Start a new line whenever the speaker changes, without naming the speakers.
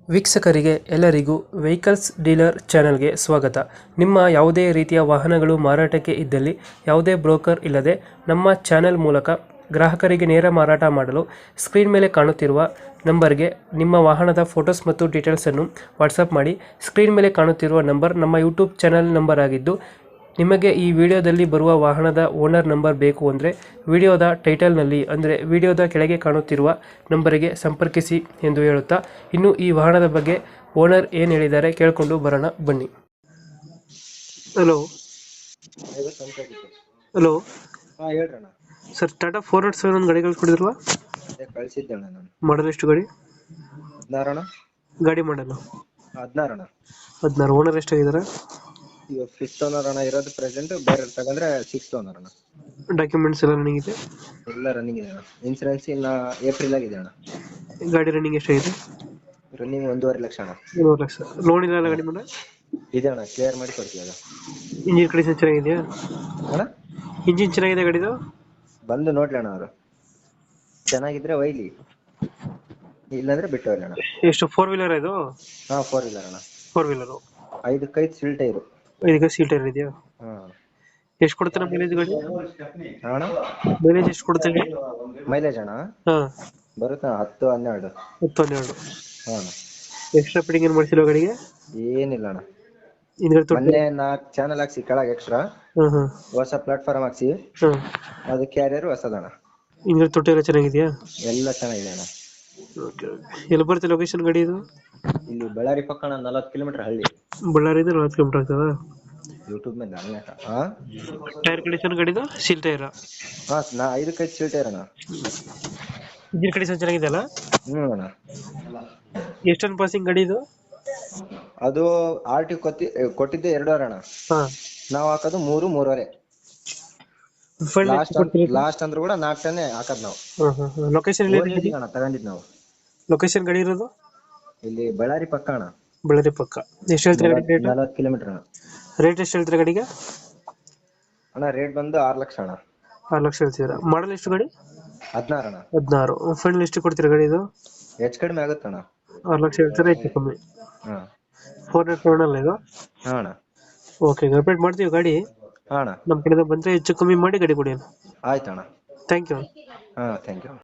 ವೀಕ್ಷಕರಿಗೆ ಎಲ್ಲರಿಗೂ vehicles dealer ಚಾನೆಲ್ಗೆ ಸ್ವಾಗತ. ನಿಮ್ಮ ಯಾವುದೇ ರೀತಿಯ ವಾಹನಗಳು ಮಾರಾಟಕ್ಕೆ ಇದ್ದಲ್ಲಿ ಯಾವುದೇ ಬ್ರೋಕರ್ ಇಲ್ಲದೆ ನಮ್ಮ ಚಾನೆಲ್ ಮೂಲಕ ಗ್ರಾಹಕರಿಗೆ ನೇರ ಮಾರಾಟ ಮಾಡಲು ಸ್ಕ್ರೀನ್ ಮೇಲೆ ಕಾಣುತ್ತಿರುವ ನಂಬರ್ಗೆ ನಿಮ್ಮ ವಾಹನದ ಫೋಟೋಸ್ ಮತ್ತು ಡೀಟೇಲ್ಸನ್ನು ವಾಟ್ಸಪ್ ಮಾಡಿ. ಸ್ಕ್ರೀನ್ ಮೇಲೆ ಕಾಣುತ್ತಿರುವ ನಂಬರ್ ನಮ್ಮ ಯೂಟ್ಯೂಬ್ ಚಾನೆಲ್ ನಂಬರ್ ಆಗಿದ್ದು, ನಿಮಗೆ ಈ ವಿಡಿಯೋದಲ್ಲಿ ಬರುವ ವಾಹನದ ಓನರ್ ನಂಬರ್ ಬೇಕು ಅಂದರೆ ವಿಡಿಯೋದ ಟೈಟಲ್ನಲ್ಲಿ ಅಂದರೆ ವಿಡಿಯೋದ ಕೆಳಗೆ ಕಾಣುತ್ತಿರುವ ನಂಬರಿಗೆ ಸಂಪರ್ಕಿಸಿ ಎಂದು ಹೇಳುತ್ತಾ, ಇನ್ನು ಈ ವಾಹನದ ಬಗ್ಗೆ ಓನರ್ ಏನು ಹೇಳಿದ್ದಾರೆ ಕೇಳಿಕೊಂಡು ಬರೋಣ ಬನ್ನಿ. ಹಲೋ ಹಲೋ
ಹಾ ಹೇಳ್ರಣ್ಣ.
ಸರ್, ಟಾಟಾ 407 ಒಂದು ಗಾಡಿ ಕಳಿಸ್ಕೊಡಿದ್ರಲ್ಲ,
ಕಳ್ಸಿದ್ದೆ ಅಣ್ಣ ನಾನು.
ಮಾಡಲ್ ಎಷ್ಟು ಗಾಡಿ?
16 ಅಣ್ಣ.
ಗಾಡಿ ಮಾಡಲ್ಲ
16 ಅಣ್ಣ.
16. ಓನರ್ ಎಷ್ಟಾಗಿದ್ದಾರೆ?
ಈಗ 5th ಓನರ್ ಅಣ್ಣ ಇರೋದು ಪ್ರೆಸೆಂಟ್. ಬೇರೆ ತಗೊಂಡ್ರೆ 6th ಓನರ್ ಅಣ್ಣ.
ಡಾಕ್ಯುಮೆಂಟ್ಸ್ ಎಲ್ಲ ರನ್ನಿಂಗ್ ಇದೆ?
ಎಲ್ಲ ರನ್ನಿಂಗ್ ಇದೆ ಅಣ್ಣ. ಇನ್ಸೂರೆನ್ಸ್ ಇನ್ನ ಏಪ್ರಿಲ್ ಆಗಿದೆ ಅಣ್ಣ.
ಗಾಡಿ ರನ್ನಿಂಗ್ ಎಷ್ಟಾಗಿದೆ?
ರನ್ನಿಂಗ್ 1.5 ಲಕ್ಷ ಅಣ್ಣ.
1 ಲಕ್ಷ. ಲೋನ್ ಇಲ್ಲ ಗಾಡಿ ಮೇಲೆ?
ಇದೆ ಅಣ್ಣ, ಕ್ಲಿಯರ್ ಮಾಡಿ ಕೊಡ್ತೀವಿ ಅದು.
ಇಂಜಿನ್ ಕಂಡೀಷನ್ ಚೆನ್ನಾಗಿದೆಯಾ?
ಅಣ್ಣ
ಇಂಜಿನ್ ಚೆನ್ನಾಗಿದೆ ಗಾಡಿದು?
ಬಂದು ನೋಡ್ಲಿ ಅಣ್ಣ ಅವರು. ಚೆನ್ನಾಗಿದ್ರೆ ಒಯ್ಲಿ, ಇಲ್ಲಾಂದ್ರೆ ಬಿಟ್ಟು ಹೋಗ್ಲಿ ಅಣ್ಣ.
ಎಷ್ಟು, 4 ವೀಲರ್ ಇದು?
ಹಾ 4 ವೀಲರ್ ಅಣ್ಣ.
4 ವೀಲರು.
5 ಸಿಲ್ ಟೈರು.
5 ಸೀಟ್ ಇದೆಯಾ?
ಹಾ.
ಎಷ್ಟು ಕೊಡ್ತಾನೆ ಮೈಲೇಜ್ ಗಾಡಿ?
ಅಣ್ಣ
ಮೈಲೇಜ್ ಎಷ್ಟು ಕೊಡ್ತಾನೆ?
ಮೈಲೇಜ್ ಅಣ್ಣ
ಹಾ,
ಬರುತ್ತೆ 10-12.
10-12.
ಹಾ ಅಣ್ಣ.
ಎಕ್ಸ್ಟ್ರಾ ಫಿಟ್ಟಿಂಗ್ ಏನು ಮಾಡಿಸಿಲ್ಲ ಗಾಡಿಗೆ?
ಏನಿಲ್ಲ ಅಣ್ಣ.
ಹಿಂದ್ಗಡೆ ತೊಟ್ಟಿ?
ಮೊನ್ನೆ 4 ಚಾನಲ್ ಹಾಕ್ಸಿ ಕೆಳಗೆ ಎಕ್ಸ್ಟ್ರಾ.
ಹಾ,
ಹೊಸ ಪ್ಲಾಟ್ಫಾರ್ಮ್ ಹಾಕ್ಸಿ,
ಹಾ.
ಅದು ಕ್ಯಾರಿಯರ್ ಹೊಸದಣ್ಣ.
ಹಿಂದ್ಗಡೆ ತೊಟ್ಟಿ ಎಲ್ಲ ಚೆನ್ನಾಗಿದೆಯಾ?
ಎಲ್ಲ ಚೆನ್ನಾಗಿದೆ ಅಣ್ಣ.
ಓಕೆ. ಎಲ್ಲಿ ಬರುತ್ತೆ ಲೊಕೇಶನ್ ಗಾಡಿ ಇದು?
ಇಲ್ಲಿ ಬಳ್ಳಾರಿ ಪಕ್ಕಣ 40 ಕಿಲೋಮೀಟರ್ ಹಳ್ಳಿ.
ಬಳ್ಳಾರಿಯಿಂದ 40 ಕಿಲೋಮೀಟರ್ ಆಗ್ತದ?
ಯೂಟ್ಯೂಬ್ ಮೇಲೆ ಅಲ್ಲೇ. ಹಾ
ಟೈರ್ ಕಂಡೀಷನ್ ಗಾಡಿದು ಸೀಲ್ ಟೈರ್?
ಹಾ 5 ಸಿಲ್ ಟೈರ್ ಅಣ್ಣ.
ಇಂಜಿನ್ ಕಂಡೀಷನ್ ಚೆನ್ನಾಗಿದೆ ಅಲ್ಲ?
ಅಣ್ಣ.
ಎಷ್ಟು ಟನ್ ಪಾಸಿಂಗ್ ಗಾಡಿ ಇದು?
ಅದು RT ಕೊಟ್ಟಿದ್ದೆ 2.5 ಅಣ್ಣ.
ಹಾ.
ನಾವು ಹಾಕೋದು 3-3.5. ಲಾಸ್ಟ್ ಅಂದ್ರೂ ಕೂಡ 4 ಟನ್ ಹಾಕೋದು ನಾವು.
ಲೊಕೇಶನ್ ಎಲ್ಲಿ
ಅಣ್ಣ ತಗೊಂಡಿದ್ ನಾವು.
ಲೊಕೇಶನ್ ಗಾಡಿ ಇರೋದು?
ಇಲ್ಲಿ ಬಳ್ಳಾರಿ ಪಕ್ಕ ಅಣ್ಣ.
ಬಳ್ಳಾರಿ ಪಕ್ಕ. ಎಷ್ಟು ಹೇಳ್ತೀರಾ ಗಾಡಿ ರೇಟ್?
40 ಕಿಲೋಮೀಟರ್ ಅಣ್ಣ.
ರೇಟ್ ಎಷ್ಟು ಹೇಳ್ತೀರಾ ಗಾಡಿಗೆ?
ಅಣ್ಣ ರೇಟ್ ಬಂದು 6 ಲಕ್ಷ ಅಣ್ಣ.
6 ಲಕ್ಷ ಹೇಳ್ತೀರಾ. ಮಾಡಲ್ ಎಷ್ಟು ಗಾಡಿ?
16 ಅಣ್ಣ.
16. ಫೈನಲ್ ಎಷ್ಟು ಕೊಡ್ತೀರಾ ಗಾಡಿ ಇದು?
ಹೆಚ್ಚು ಕಡಿಮೆ ಆಗುತ್ತಣ್ಣ.
6 ಲಕ್ಷ ಹೇಳ್ತೀರಾ, ಹೆಚ್ಚು ಕಮ್ಮಿ?
ಹಾ
407 ಅಲ್ಲ ಇದು?
ಹಾ ಅಣ್ಣ.
ಓಕೆ, ಅಪ್ಡೇಟ್ ಮಾಡ್ತೀವಿ ಗಾಡಿ.
ಹಾ ಅಣ್ಣ.
ನಮ್ಮ ಕಡೆಯಿಂದ ಬಂದರೆ ಹೆಚ್ಚು ಕಮ್ಮಿ ಮಾಡಿ ಗಾಡಿ ಕೊಡಿ.
ಆಯ್ತಣ್ಣ.
Thank you.
ಹಾ ಥ್ಯಾಂಕ್ ಯು.